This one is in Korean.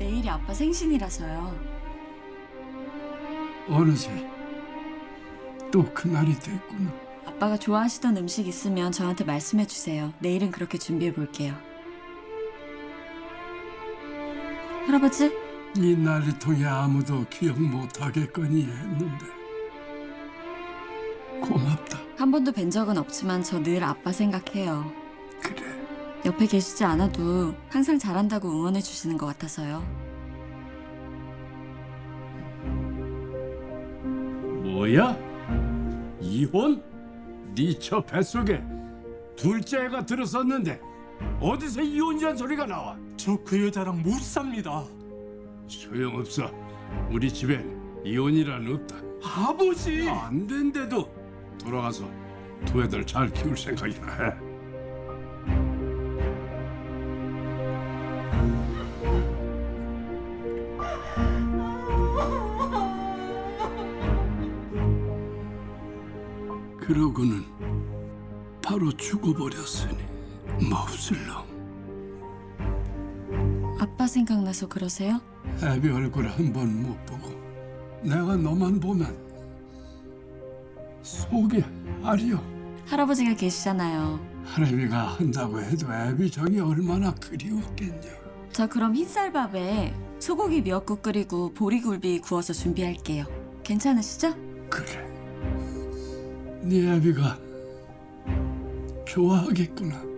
내일이 아빠 생신이라서요. 어느새 또 그날이 됐구나. 아빠가 좋아하시던 음식 있으면 저한테 말씀해 주세요. 내일은 그렇게 준비해 볼게요. 할아버지? 이 난리통에 아무도 기억 못하겠거니 했는데 고맙다. 한 번도 뵌 적은 없지만 저 늘 아빠 생각해요. 그래. 옆에 계시지 않아도 항상 잘한다고 응원해 주시는 것 같아서요. 뭐야? 이혼? 네 저 뱃속에 둘째 애가 들었었는데 어디서 이혼이란 소리가 나와? 저 그 여자랑 못 삽니다. 소용없어. 우리 집엔 이혼이란 없다. 아버지! 안 된대도 돌아가서 두 애들 잘 키울 생각이나 해. 그러고는 바로 죽어버렸으니 몹쓸 놈. 아빠 생각나서 그러세요? 애비 얼굴 한 번 못 보고 내가 너만 보면 속이 아려. 할아버지가 계시잖아요. 할애비가 한다고 해도 애비 정이 얼마나 그리웠겠냐. 저 그럼 흰쌀밥에 소고기 미역국 끓이고 보리굴비 구워서 준비할게요. 괜찮으시죠? 그래. 네 애비가 좋아하겠구나.